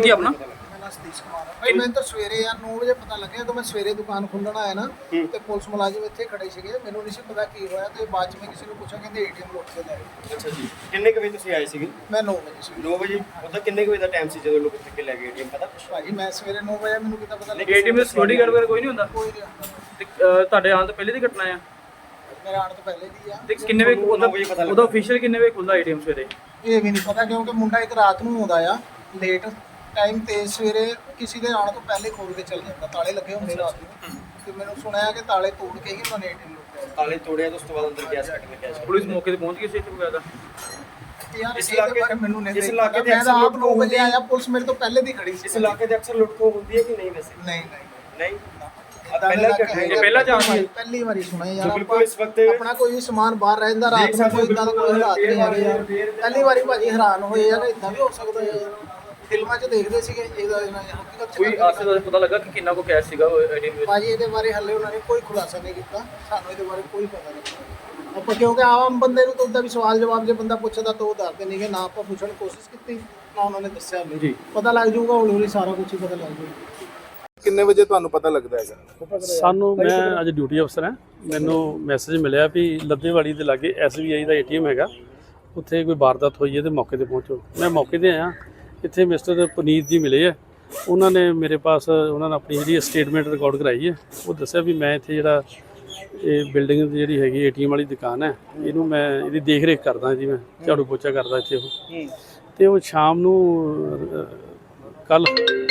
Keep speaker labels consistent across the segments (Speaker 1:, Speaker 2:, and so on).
Speaker 1: ਕੀ ਆਪਣਾ?
Speaker 2: ਸਤੀਸ਼ ਕੁਮਾਰ ਭਾਈ ਮੈਨੂੰ ਤਾਂ ਸਵੇਰੇ ਯਾਰ 9 ਵਜੇ ਪਤਾ ਲੱਗਿਆ ਤਾਂ ਮੈਂ ਸਵੇਰੇ ਦੁਕਾਨ ਖੋਲ੍ਹਣ ਆਇਆ ਨਾ ਤੇ ਪੁਲਿਸ ਮੁਲਾਜ਼ਮ ਇੱਥੇ ਖੜੇ ਸੀਗੇ। ਮੈਨੂੰ ਨਹੀਂ ਸੀ ਪਤਾ ਕੀ ਹੋਇਆ ਤੇ ਬਾਅਦ ਚ ਮੈਂ ਕਿਸੇ ਨੂੰ ਪੁੱਛਿਆ, ਕਹਿੰਦੇ ਏਟੀਐਮ ਲੁੱਟ ਕੇ ਲੈ ਗਏ।
Speaker 3: ਅੱਛਾ ਜੀ, ਕਿੰਨੇ ਕੁ ਵਜੇ ਤੁਸੀਂ ਆਏ ਸੀਗੇ?
Speaker 2: ਮੈਂ 9 ਵਜੇ ਸੀ
Speaker 3: 9 ਵਜੇ। ਉਹਦਾ ਕਿੰਨੇ ਕੁ ਵਜੇ ਦਾ ਟਾਈਮ ਸੀ ਜਦੋਂ ਲੋਕ ਚੱਕ ਕੇ ਲੈ ਗਏ ਏਟੀਐਮ, ਪਤਾ?
Speaker 2: ਭਾਜੀ ਮੈਂ ਸਵੇਰੇ 9 ਵਜੇ, ਮੈਨੂੰ ਕਿੱਦਾਂ ਪਤਾ ਲੱਗਿਆ?
Speaker 1: ਏਟੀਐਮ ਦੇ ਸਿਕਿਉਰਿਟੀ ਗਾਰਡ ਵਗੈਰਾ ਕੋਈ ਨਹੀਂ ਹੁੰਦਾ?
Speaker 2: ਕੋਈ ਨਹੀਂ ਹੁੰਦਾ।
Speaker 1: ਤੇ ਤੁਹਾਡੇ ਆਉਣ ਤੋਂ ਪਹਿਲੇ ਦੀ ਘਟਨਾ ਆ?
Speaker 2: ਮੇਰੇ ਆਉਣ ਤੋਂ ਪਹਿਲੇ ਦੀ ਆ।
Speaker 1: ਤੇ ਕਿੰਨੇ ਵਜੇ ਉਹਦਾ ਅਫੀਸ਼ੀਅਲ ਕਿੰਨੇ ਵਜੇ ਖੁੱਲਦਾ ਏਟੀਐਮ ਸਵੇਰੇ?
Speaker 2: ਇਹ ਵੀ ਨਹੀਂ ਪਤਾ ਕਿਉਂਕਿ ਮੁੰਡਾ ਇੱਕ ਰਾਤ ਨੂੰ ਆਉਂਦਾ ਆ ਲੇਟ ਟਾਈਮ ਤੇ ਸਵੇਰੇ ਕਿਸੇ ਦੇ ਆਉਣ ਤੋਂ ਪਹਿਲੇ ਖੋਲ ਕੇ ਚੱਲ ਜਾਂਦਾ। ਤਾਲੇ ਲੱਗੇ ਹੁੰਦੇ ਰਾਤ ਨੂੰ ਤੇ ਮੈਨੂੰ ਸੁਣਿਆ ਕਿ ਤਾਲੇ ਤੋੜ ਕੇ ਹੀ ਉਹਨਾਂ ਨੇ ਏਟੀਐਮ ਲੁੱਟਿਆ।
Speaker 3: ਤਾਲੇ ਤੋੜਿਆ ਤਾਂ ਉਸ ਤੋਂ ਬਾਅਦ ਅੰਦਰ ਕੈਸ਼ ਕੱਢ ਕੇ ਕੈਸ਼।
Speaker 1: ਪੁਲਿਸ ਮੌਕੇ ਤੇ ਪਹੁੰਚ ਗਈ ਸੀ ਇੱਥੇ ਵਗੈਰਾ?
Speaker 2: ਯਾਰ
Speaker 3: ਇਸ ਇਲਾਕੇ
Speaker 2: ਮੈਨੂੰ ਨਹੀਂ
Speaker 3: ਇਸ ਇਲਾਕੇ ਦੇ
Speaker 2: ਮੈਂ ਤਾਂ ਆਪ 9 ਵਜੇ ਆਇਆ, ਪੁਲਿਸ ਮੇਰੇ ਤੋਂ ਪਹਿਲੇ ਦੀ ਖੜੀ ਸੀ।
Speaker 3: ਇਸ ਇਲਾਕੇ ਦੇ ਅਕਸਰ ਲੁੱਟ ਖੋਹ ਹੁੰਦੀ ਹੈ ਕਿ ਨਹੀਂ? ਵੈਸੇ
Speaker 2: ਨਹੀਂ
Speaker 3: ਨਹੀਂ।
Speaker 1: ਪਹਿਲਾਂ ਜਾਣਦੇ
Speaker 2: ਪਹਿਲੀ ਵਾਰੀ ਸੁਣਿਆ ਯਾਰ।
Speaker 3: ਬਿਲਕੁਲ ਇਸ ਵਕਤ
Speaker 2: ਆਪਣਾ ਕੋਈ ਸਮਾਨ ਬਾਹਰ ਰਹਿੰਦਾ ਰਾਤ ਨੂੰ, ਕੋਈ ਇਦਾਂ ਦਾ ਕੋਈ ਹਾਲਾਤ ਨਹੀਂ ਹੈਗੇ ਯਾਰ। ਪਹਿਲੀ ਵਾਰੀ ਭਾਜੀ ਹੈਰਾਨ ਹੋਏ ਆ ਕਿ ਇਦਾਂ ਵੀ ਹੋ ਸਕਦਾ ਯਾਰ। ਫਿਲਮਾਂ 'ਚ ਦੇਖਦੇ ਸੀਗੇ, ਇਹਦਾ ਹਕੀਕਤ 'ਚ
Speaker 1: ਕੋਈ ਆਸੇ ਦਾ ਪਤਾ ਲੱਗਾ ਕਿ ਕਿੰਨਾ ਕੋ ਕੈਸ਼ ਸੀਗਾ ਏਟੀਐਮ ਵਿੱਚ?
Speaker 2: ਭਾਜੀ ਇਹਦੇ ਬਾਰੇ ਹੱਲੇ ਉਹਨਾਂ ਨੇ ਕੋਈ ਖੁਲਾਸਾ ਨਹੀਂ ਕੀਤਾ। ਸਾਨੂੰ ਇਹਦੇ ਬਾਰੇ ਕੋਈ ਪਤਾ ਨਹੀਂ। ਆਪਾਂ ਕਿਉਂਕਿ ਆਮ ਬੰਦੇ ਨੂੰ ਤਾਂ ਉਦਾਂ ਵੀ ਸਵਾਲ ਜਵਾਬ ਜੇ ਬੰਦਾ ਪੁੱਛਦਾ ਤਾਂ ਉਹ ਦੱਸਦੇ ਨਹੀਂ ਕਿ ਨਾ ਆਪਾਂ ਪੁੱਛਣ ਦੀ ਕੋਸ਼ਿਸ਼ ਕੀਤੀ ਨਾ ਉਹਨਾਂ ਨੇ ਦੱਸਿਆ ਨਹੀਂ।
Speaker 1: ਜੀ
Speaker 2: ਪਤਾ ਲੱਗ ਜਾਊਗਾ ਹੌਲੀ ਹੌਲੀ, ਸਾਰਾ ਕੁਝ ਹੀ ਪਤਾ ਲੱਗ ਜਾਊਗਾ।
Speaker 4: ਕਿੰਨੇ ਵਜੇ ਤੁਹਾਨੂੰ ਪਤਾ ਲੱਗਦਾ ਹੈਗਾ?
Speaker 5: ਸਾਨੂੰ, ਮੈਂ ਅੱਜ ਡਿਊਟੀ ਅਫਸਰ ਹਾਂ, ਮੈਨੂੰ ਮੈਸੇਜ ਮਿਲਿਆ ਵੀ ਲੱਦੇਵਾੜੀ ਦੇ ਲਾਗੇ SBI ਦਾ ATM ਹੈਗਾ, ਉੱਥੇ ਕੋਈ ਵਾਰਦਾਤ ਹੋਈ ਹੈ ਤੇ ਮੌਕੇ ਤੇ ਪਹੁੰਚੋ। ਮੈਂ ਮੌਕੇ ਤੇ ਆਇਆ, ਇੱਥੇ ਮਿਸਟਰ ਪੁਨੀਤ ਜੀ ਮਿਲੇ ਆ। ਉਹਨਾਂ ਨੇ ਮੇਰੇ ਪਾਸ ਉਹਨਾਂ ਨੇ ਆਪਣੀ ਜਿਹੜੀ ਸਟੇਟਮੈਂਟ ਰਿਕਾਰਡ ਕਰਾਈ ਹੈ। ਉਹ ਦੱਸਿਆ ਵੀ ਮੈਂ ਇੱਥੇ ਜਿਹੜਾ ਇਹ ਬਿਲਡਿੰਗ ਦੀ ਜਿਹੜੀ ਹੈਗੀ ATM ਵਾਲੀ ਦੁਕਾਨ ਹੈ, ਇਹਨੂੰ ਮੈਂ ਇਹਦੀ ਦੇਖ ਰੇਖ ਕਰਦਾ ਜੀ, ਮੈਂ ਝਾੜੂ ਪੋਚਾ ਕਰਦਾ ਇੱਥੇ ਉਹ। ਤੇ ਉਹ ਸ਼ਾਮ ਨੂੰ ਕੱਲ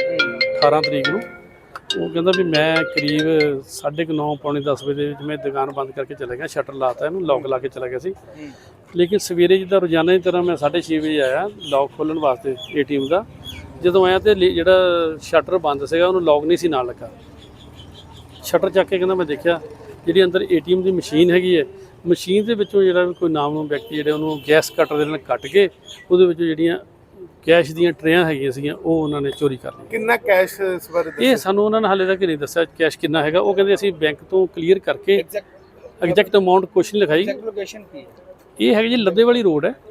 Speaker 5: 18 ਤਰੀਕ ਨੂੰ ਉਹ ਕਹਿੰਦਾ ਵੀ ਮੈਂ ਕਰੀਬ 9:30 ਪੌਣੇ 10 ਵਜੇ ਦੇ ਵਿੱਚ ਮੈਂ ਦੁਕਾਨ ਬੰਦ ਕਰਕੇ ਚਲਾ ਗਿਆ, ਸ਼ਟਰ ਲਾਤਾ, ਇਹਨੂੰ ਲੌਕ ਲਾ ਕੇ ਚਲਾ ਗਿਆ ਸੀ। ਲੇਕਿਨ ਸਵੇਰੇ ਜਿੱਦਾਂ ਰੋਜ਼ਾਨਾ ਦੀ ਤਰ੍ਹਾਂ ਮੈਂ 6:30 ਵਜੇ ਆਇਆ ਲੌਕ ਖੋਲ੍ਹਣ ਵਾਸਤੇ ATM ਦਾ। ਜਦੋਂ ਆਇਆ ਤੇ ਜਿਹੜਾ ਸ਼ਟਰ ਬੰਦ ਸੀਗਾ ਉਹਨੂੰ ਲੌਕ ਨਹੀਂ ਸੀ ਨਾਲ ਲੱਗਾ। ਸ਼ਟਰ ਚੱਕ ਕੇ ਕਹਿੰਦਾ ਮੈਂ ਦੇਖਿਆ ਜਿਹੜੀ ਅੰਦਰ ATM ਦੀ ਮਸ਼ੀਨ ਹੈਗੀ ਹੈ, ਮਸ਼ੀਨ ਦੇ ਵਿੱਚੋਂ ਜਿਹੜਾ ਕੋਈ ਨਾਮਨੂ ਵਿਅਕਤੀ ਜਿਹੜੇ ਉਹਨੂੰ ਗੈਸ ਕਟਰ ਦੇ ਨਾਲ ਕੱਟ ਕੇ ਉਹਦੇ ਵਿੱਚੋਂ ਜਿਹੜੀਆਂ ਕੈਸ਼ ਦੀਆਂ ਟਰੇਆਂ ਹੈਗੀਆਂ ਸੀਗੀਆਂ ਉਹ ਉਹਨਾਂ ਨੇ ਚੋਰੀ ਕਰ ਲਈਆਂ।
Speaker 4: ਕਿੰਨਾ ਕੈਸ਼ ਇਸ ਬਾਰੇ
Speaker 5: ਇਹ ਸਾਨੂੰ ਉਹਨਾਂ ਨੇ ਹਾਲੇ ਤੱਕ ਨਹੀਂ ਦੱਸਿਆ ਕੈਸ਼ ਕਿੰਨਾ ਹੈਗਾ। ਉਹ ਕਹਿੰਦੇ ਅਸੀਂ ਬੈਂਕ ਤੋਂ ਕਲੀਅਰ ਕਰਕੇ ਐਗਜ਼ੈਕਟ ਅਮਾਊਂਟ ਕੁਛ ਨਹੀਂ ਲਿਖਾਈ।
Speaker 2: ਲੋਕੇਸ਼ਨ ਕੀ ਹੈ?
Speaker 5: ਇਹ ਹੈਗੀ ਜੀ ਲੱਦੇਵਾਲੀ ਰੋਡ ਹੈ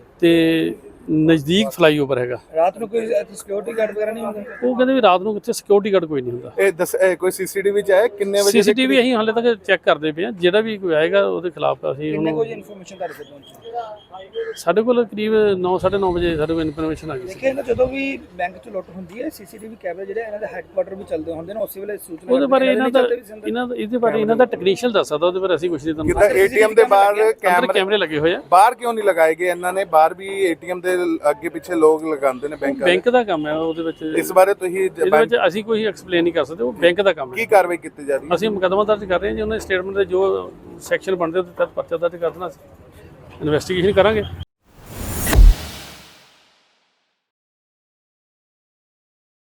Speaker 5: ਤੇ ਨਜ਼ਦੀਕ ਫਲਾਈਓਵਰ ਹੈਗਾ।
Speaker 2: ਰਾਤ ਨੂੰ ਕੋਈ ਸਿਕਿਉਰਿਟੀ ਗਾਰਡ ਵਗੈਰਾ ਨਹੀਂ ਹੁੰਦਾ?
Speaker 5: ਉਹ ਕਹਿੰਦੇ ਵੀ ਰਾਤ ਨੂੰ ਕਿੱਥੇ ਸਿਕਿਉਰਿਟੀ ਗਾਰਡ ਕੋਈ ਨਹੀਂ ਹੁੰਦਾ।
Speaker 4: ਇਹ ਕੋਈ CCTV 'ਚ ਆਇਆ ਕਿੰਨੇ ਵਜੇ?
Speaker 5: CCTV ਅਸੀਂ ਹਾਲੇ ਤੱਕ ਚੈੱਕ ਕਰਦੇ ਪਏ ਹਾਂ, ਜਿਹੜਾ ਵੀ ਕੋਈ ਆਏਗਾ ਉਹਦੇ ਖਿਲਾਫ ਅਸੀਂ ਉਹਨੂੰ।
Speaker 2: ਕੋਈ ਇਨਫੋਰਮੇਸ਼ਨ ਤੁਹਾਡੇ ਕੋਲ ਪਹੁੰਚੀ?
Speaker 5: ਸਾਡੇ ਕੋਲ ਕਰੀਬ 9:30 ਵਜੇ ਸਾਡੇ ਕੋਲ ਇਨਫੋਰਮੇਸ਼ਨ ਆ ਗਈ ਸੀ।
Speaker 2: ਦੇਖਿਆ ਜਦੋਂ ਵੀ ਬੈਂਕ 'ਚ ਲੁੱਟ ਹੁੰਦੀ ਹੈ CCTV ਕੈਮਰੇ ਜਿਹੜੇ ਇਹਨਾਂ ਦੇ ਹੈੱਡਕੁਆਟਰ ਵੀ ਚੱਲਦੇ ਹੁੰਦੇ ਨੇ, ਉਸੇ ਵੇਲੇ ਸੂਚਨਾ
Speaker 5: ਉਹਦੇ ਬਾਰੇ ਇਹਦੇ ਬਾਰੇ ਇਹਨਾਂ ਦਾ ਟੈਕਨੀਸ਼ੀਅਨ ਦੱਸ ਸਕਦਾ, ਉਹਦੇ ਬਾਰੇ ਅਸੀਂ ਕੁਝ ਨਹੀਂ ਤੁਹਾਨੂੰ।
Speaker 4: ਕਿਦਾਂ ATM ਦੇ ਬਾਹਰ
Speaker 5: ਕੈਮਰੇ ਲੱਗੇ ਹੋਏ ਆ?
Speaker 4: ਬਾਹਰ ਕਿਉਂ ਨਹੀਂ ਲਗਾਏ ਗਏ ਇਹਨਾਂ ਨੇ? ਬਾਹਰ ਵੀ ATM ਦੇ ਅੱਗੇ ਪਿੱਛੇ ਲੋਕ ਲਗਾਉਂਦੇ ਨੇ
Speaker 5: ਬੈਂਕ ਦਾ ਕੰਮ ਹੈ ਉਹਦੇ ਵਿੱਚ।
Speaker 4: ਇਸ ਬਾਰੇ ਤੁਸੀਂ
Speaker 5: ਇਹਦੇ ਵਿੱਚ ਅਸੀਂ ਕੋਈ ਐਕਸਪਲੇਨ ਨਹੀਂ ਕਰ ਸਕਦੇ, ਉਹ ਬੈਂਕ ਦਾ ਕੰਮ ਹੈ।
Speaker 4: ਕੀ ਕਾਰਵਾਈ ਕੀਤੀ ਜਾ ਰਹੀ ਹੈ?
Speaker 5: ਅਸੀਂ ਮੁਕੱਦਮਾ ਦਰਜ ਕਰ ਰਹੇ ਹਾਂ ਜੀ, ਉਹਨਾਂ ਦੇ ਸਟੇਟਮੈਂਟ ਦੇ ਜੋ ਸੈਕਸ਼ਨ ਬਣਦੇ ਉਹਦੇ ਤਹਿਤ ਪਰਚਾ ਦਰਜ ਕਰ ਦੇਣਾ, ਇਨਵੈਸਟੀਗੇਸ਼ਨ ਕਰਾਂਗੇ।